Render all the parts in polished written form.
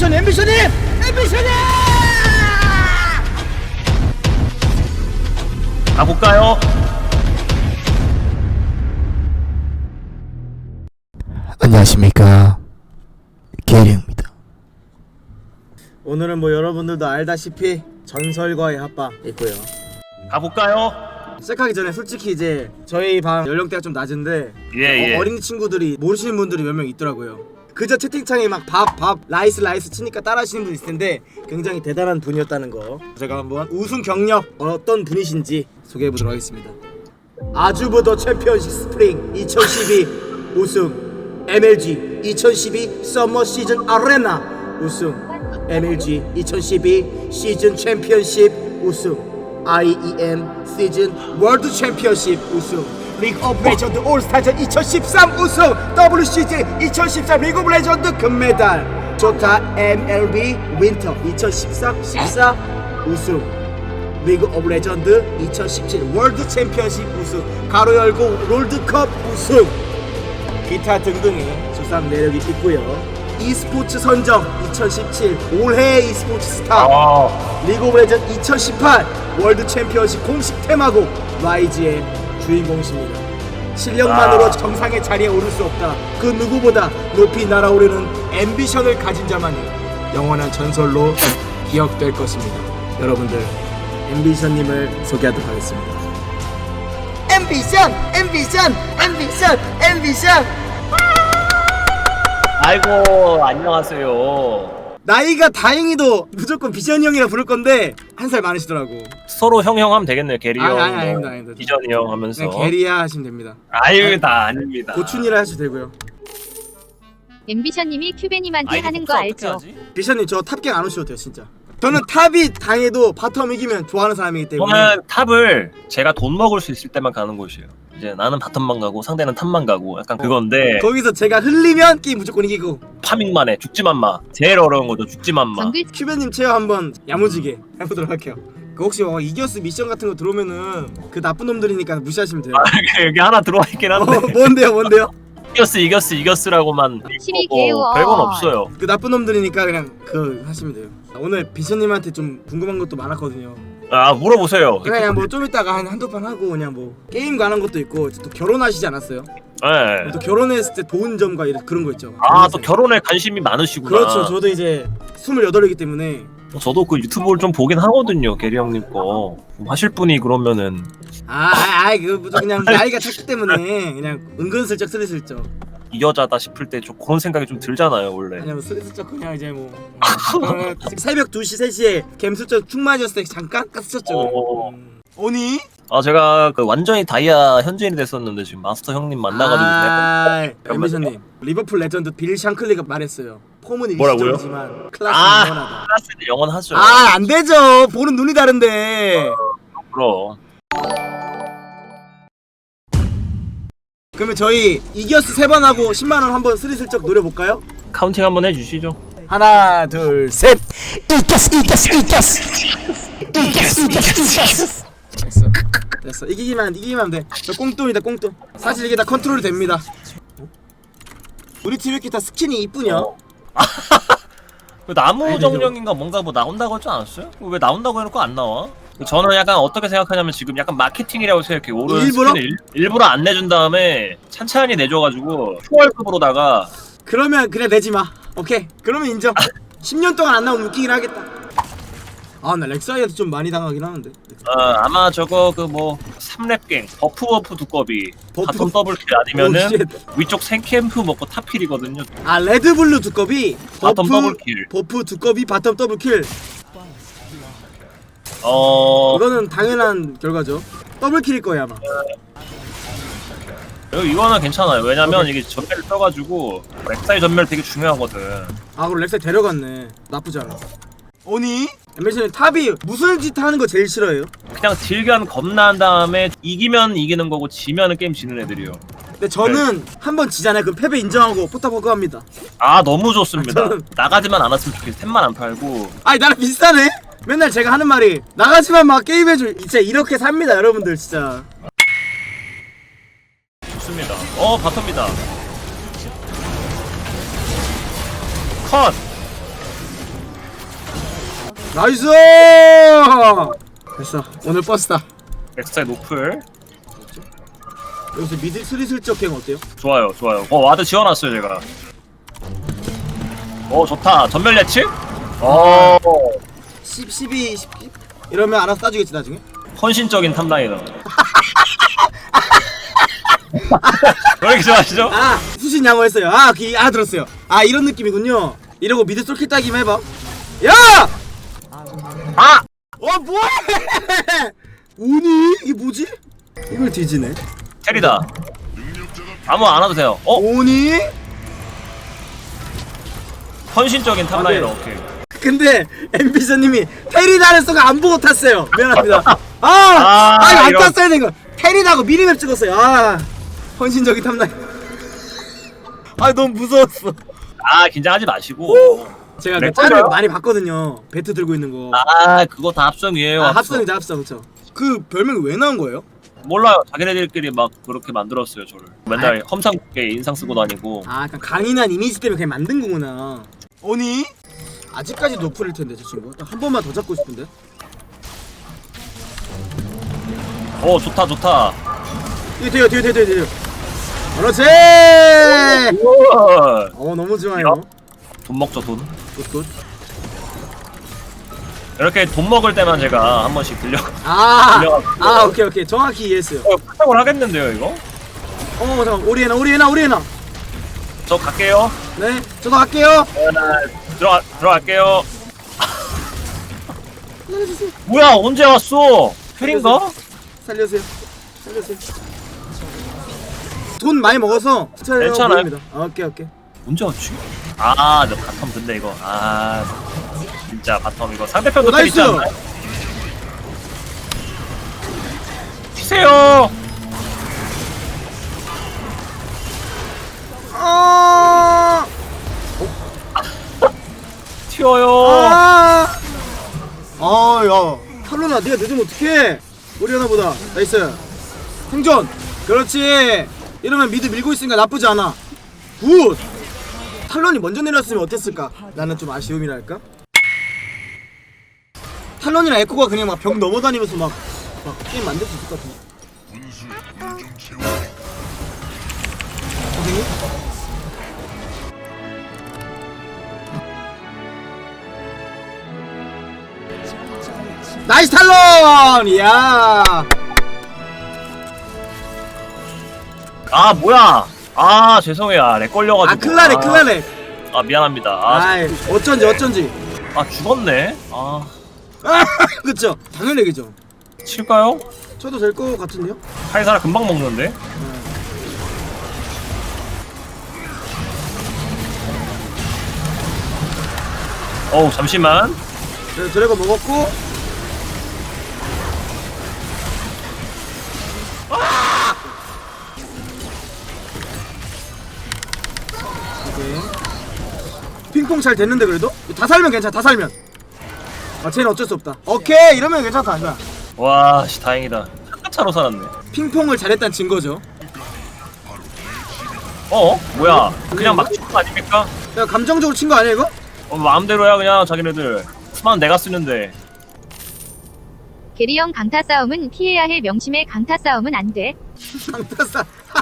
앰비션님 가볼까요? 안녕하십니까, 게리입니다. 오늘은 뭐 여러분들도 알다시피 전설과의 합방 있고요. 가볼까요? 시작하기 전에 솔직히 이제 저희 방 연령대가 좀 낮은데 예. 어린 친구들이 모르시는 분들이 몇 명 있더라고요. 그저 채팅창에 막 밥 라이스 치니까 따라하시는 분 있을 텐데 굉장히 대단한 분이었다는 거 제가 한번 우승 경력 어떤 분이신지 소개해보도록 하겠습니다. 아주버더 챔피언십 스프링 2012 우승, MLG 2012 서머 시즌 아레나 우승, MLG 2012 시즌 챔피언십 우승, IEM 시즌 월드 챔피언십 우승, 리그 오브 레전드 올스타전 2013 우승, WCG 2013 리그 오브 레전드 금메달, 조타 MLB 윈터 2013-14 우승, 리그 오브 레전드 2017 월드 챔피언십 우승, 가로 열고 롤드컵 우승, 기타 등등의 수상 내력이 있고요. e스포츠 선정 2017 올해의 e스포츠 스타, 리그 오브 레전드 2018 월드 챔피언십 공식 테마곡 라이즈의 주인공이십니다. 실력만으로 정상의 자리에 오를 수 없다. 그 누구보다 높이 날아오르는 앰비션을 가진 자만이 영원한 전설로 기억될 것입니다. 여러분들, 앰비션님을 소개하도록 하겠습니다. 앰비션! 아이고, 안녕하세요. 나이가 다행히도 무조건 비션이 형이라 부를 건데 한 살 많으시더라고. 서로 형형 하면 되겠네요. 게리 형, 아닙니다. 비전이 형 하면서. 그냥 게리야 하시면 됩니다. 아유, 다 아닙니다. 고춘이라 하셔도 되고요. 앰비션님이 큐베님한테 하는 거 알죠? 비션님 저 탑갱 안 오셔도 돼요 진짜. 저는 탑이 당해도 바텀 이기면 좋아하는 사람이기 때문에. 저는 탑을 제가 돈 먹을 수 있을 때만 가는 곳이에요. 이제 나는 바텀만 가고 상대는 탑만 가고 약간 그건데 거기서 제가 흘리면 게임 무조건 이기고. 파밍만 해. 죽지만 마. 제일 어려운 거죠. 죽지만 마. 정글 큐베님 체어 한번 야무지게 해보도록 할게요. 그 혹시 이겨스 미션 같은 거 들어오면은 그 나쁜 놈들이니까 무시하시면 돼요. 여기 하나 들어와 있긴 한데. 뭔데요? 이겼으라고만 심이 개워. 별건 없어요. 그 나쁜 놈들이니까 그냥 그 하시면 돼요. 오늘 비션님한테 좀 궁금한 것도 많았거든요. 아, 물어보세요. 그냥 뭐 좀 이따가 한두 판 하고 그냥 뭐 게임 관한 것도 있고, 또 결혼하시지 않았어요? 네. 또 결혼했을 때 좋은 점과 그런 거 있죠. 아, 또 결혼에 관심이 많으시구나. 그렇죠. 저도 이제 28이기 때문에. 저도 그 유튜브를 좀 보긴 하거든요. 게리 형님 거. 좀 하실 분이 그러면은 그거 그냥 나이가 찼기 때문에 그냥 은근슬쩍 스리슬쩍. 이 여자다 싶을 때 좀 그런 생각이 좀 들잖아요, 원래. 그냥 스리슬쩍 그냥 이제 뭐 새벽 2시 3시에 갬슬쩍 충만이었을 때 잠깐 깠었죠. 오니? 아, 제가 그 완전히 다이아 현지인이 됐었는데 지금 마스터 형님 만나가지고 엠비션님, 리버풀 레전드 빌 샹클리가 말했어요. 폼은 뭐라고요? 일시적이지만 클래스는 영원하다. 클래스는 영원하죠. 안 되죠. 보는 눈이 다른데. 그럼. 그러면 저희 이겨스 3번 하고 10만 원 한번 스리슬쩍 노려볼까요? 카운팅 한번 해주시죠. 하나, 둘, 셋. 됐어. 이기기만 하면 돼. 저 꽁돈이다, 꽁돈. 사실 이게 다 컨트롤이 됩니다. 우리 팀 이렇게 다 스킨이 이쁘냐? 그 나무 아니, 정령인가 뭔가 뭐 나온다고 하지 않았어요? 왜 나온다고 해놓고 안 나와? 저는 약간 어떻게 생각하냐면 지금 약간 마케팅이라고 생각해. 오른 일부러? 스킨을 일부러 안 내준 다음에 찬찬히 내줘가지고 초월급으로다가. 그러면 그냥 내지 마. 오케이. 그러면 인정. 10년 동안 안 나오면 웃기긴 하겠다. 나 렉사이한테 좀 많이 당하긴 하는데. 아마 저거 그 뭐 3렙갱 버프 두꺼비 버프? 바텀 더블킬 아니면은 오, 쉣. 위쪽 생캠프 먹고 탑킬이거든요. 레드블루 두꺼비 바텀 더블킬. 버프 두꺼비 바텀 더블킬. 이거는 당연한 결과죠. 더블킬일 거예요 아마. 이거는 괜찮아요. 왜냐면 이게 전멸을 떠가지고 렉사이 전멸 되게 중요하거든. 그럼 렉사이 데려갔네. 나쁘지 않아. 오니? 엠비션님 탑이 무슨 짓 하는 거 제일 싫어해요? 그냥 딜견 겁나 한 다음에 이기면 이기는 거고 지면은 게임 지는 애들이요. 근데 저는 한번 지잖아요. 그럼 패배 인정하고 포탑 허그합니다. 너무 좋습니다. 저는- 나가지만 않았으면 좋겠어. 템만 안 팔고. 나랑 비슷하네? 맨날 제가 하는 말이 나가지만 막 게임해줘. 진짜 이렇게 삽니다 여러분들 진짜. 좋습니다. 바텀입니다. 컷! 나이스. 됐어. 오늘 버스다. 엑스타일 노플. 여기서 미드 스리슬쩍 갱 어때요? 좋아요, 좋아요. 와드 지어놨어요 제가. 좋다. 전멸 예측? 12 이러면 알아서 따주겠지 나중에. 헌신적인 탑라이너. 왜 이렇게 좋아하시죠? 아 수신 양호했어요. 알아들었어요. 아 이런 느낌이군요. 이러고 미드 솔킬 따기만 해봐. 야! 아! 뭐해? 오니? 이게 뭐지? 이걸 뒤지네. 테리다. 아무 안 와도 돼요. 오니? 헌신적인 탑라이너. 네. 오케이. 근데 엠비서님이 테리다는 써가 안 보고 탔어요. 미안합니다. 이거 안 이런. 탔어야 된 거. 테리다고 미니맵 찍었어요. 헌신적인 탐나. 너무 무서웠어. 긴장하지 마시고. 제가 네, 그 짤을 걸려요? 많이 봤거든요. 배트 들고 있는 거. 그거 다 합성이에요. 합성이죠, 합성. 그쵸. 그 별명이 왜 나온 거예요? 몰라요. 자기네들끼리 막 그렇게 만들었어요, 저를. 맨날 험상궂게 인상 쓰고 다니고. 약간 강인한 이미지 때문에 그냥 만든 거구나. 오니? 아직까지 노플일 텐데 저 친구. 딱 한 번만 더 잡고 싶은데. 좋다, 좋다. 이거 돼요. 그렇지. 우와. 너무 좋아요. 돈 먹죠, 돈. 굿. 이렇게 돈 먹을 때만 제가 한 번씩 들려. 오케이. 정확히 이해했어요. 부탁을 하겠는데요, 이거? 잠깐. 오리에나. 저 갈게요. 네, 저도 갈게요. 들어갈게요. 뭐야, 언제 왔어? 헬인가? 살려주세요. 돈 많이 먹어서 괜찮아요. 보입니다. 오케이. 언제 왔지? 너 바텀 근데 이거. 진짜 바텀 이거 상대편도 텔 있지 나이스. 않나요? 튀세요. 튀어요. 야, 탈론아, 네가 늦으면 어떡해? 오리아나보다 나이스. 생존. 그렇지. 이러면 미드 밀고 있으니까 나쁘지 않아. 굿. 탈론이 먼저 내렸으면 어땠을까? 나는 좀 아쉬움이랄까? 탈론이랑 에코가 그냥 막 벽 넘어다니면서 막 게임 만들 수 있을 것 같은데. 선생님? 나이스 탈론! 이야. 뭐야? 죄송해요. 렉 걸려가지고. 클라렉. 미안합니다. 어쩐지. 죽었네. 그쵸? 당연히 얘기죠. 칠까요? 쳐도 될 것 같은데요? 카이사라 금방 먹는데. 잠시만. 네, 드래곤 먹었고. 오케이. 핑퐁 잘 됐는데 그래도? 다 살면 괜찮아. 다 살면. 쟤는 어쩔 수 없다. 오케이, 이러면 괜찮다. 이거야. 와, 다행이다. 차로 살았네. 핑퐁을 잘했다는 증거죠. 뭐야? 그냥 막 치는 거 아닙니까? 야, 감정적으로 친 거 아니야 이거? 마음대로야 그냥 자기네들. 스만 내가 쓰는데. 게리형 강타 싸움은 피해야 할 명심에 강타 싸움은 안 돼. 강타싸.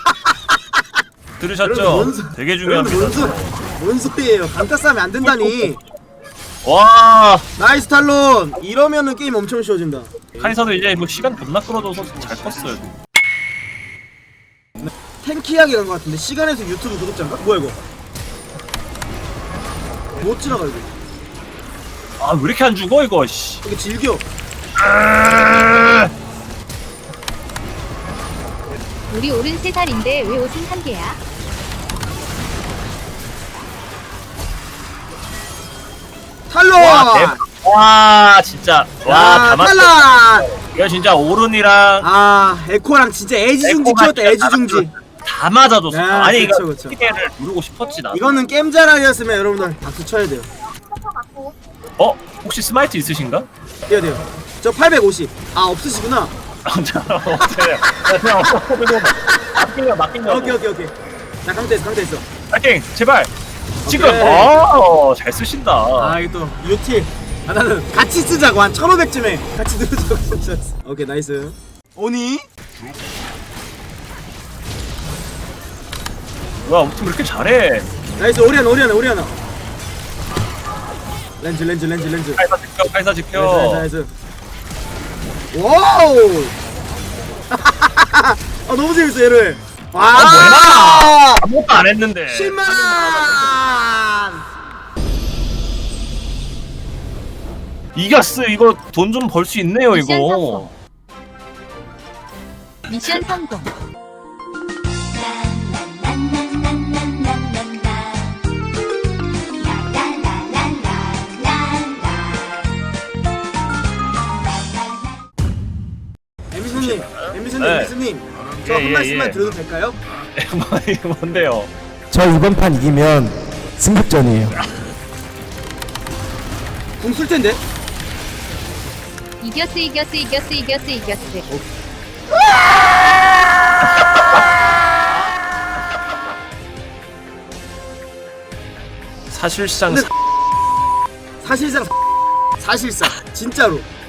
들으셨죠? 되게 중요합니다. 뭔 소리예요? 강타 싸면 안 된다니. 와, 나이스 탈론. 이러면은 게임 엄청 쉬워진다. 카이사도 이제 뭐 시간 겁나 끌어줘서 잘 컸어요. 탱키하게 간 것 같은데. 시간에서 유튜브 구독자인가? 뭐야 이거? 못 지나가 이거. 왜 이렇게 안 죽어 이거? 씨. 이게 질겨. 우리 오른 3살인데 왜 옷은 한 개야? 탈론. 와, 진짜. 다 맞다. 탈론. 이거 진짜 오른이랑 에코랑 진짜 애지중지 에코가 키웠다. 애지중지. 다 맞아줬어. 야, 아니 그쵸, 이거 그쵸. 기대를 누르고 싶었지 나. 이거는 게임 잘하였으면 여러분들 박수 쳐야 돼요. 혹시 스마이트 있으신가? 돼요. 저 850. 없으시구나. 맡긴 거. 오케이. 자, 강퇴했어. 파이팅, 제발. 지금. 오케이. 잘 쓰신다. 이거 또 유틸. 아 나는 같이 쓰자고 한 1500쯤에 같이 누르자고 썼어. 오케이 나이스. 오니? 뭐야 우리 팀 왜 이렇게 잘해? 나이스. 오리아나 렌즈 카이사 지켜. 나이스. 와우. 아 너무 재밌어 얘를. 와 뭐야? 아무것도 안 했는데. 10만. 이겼어. 이거 돈 좀 벌 수 있네요 미션 이거. 미션 성공. 엠비스님 저 한 예, 말씀만 예. 드려도 될까요? 이거 뭔데요? 저 이번 판 이기면 승급전이에요. 궁 쓸 텐데. 이겼어. 사실상 근데 사실상 진짜로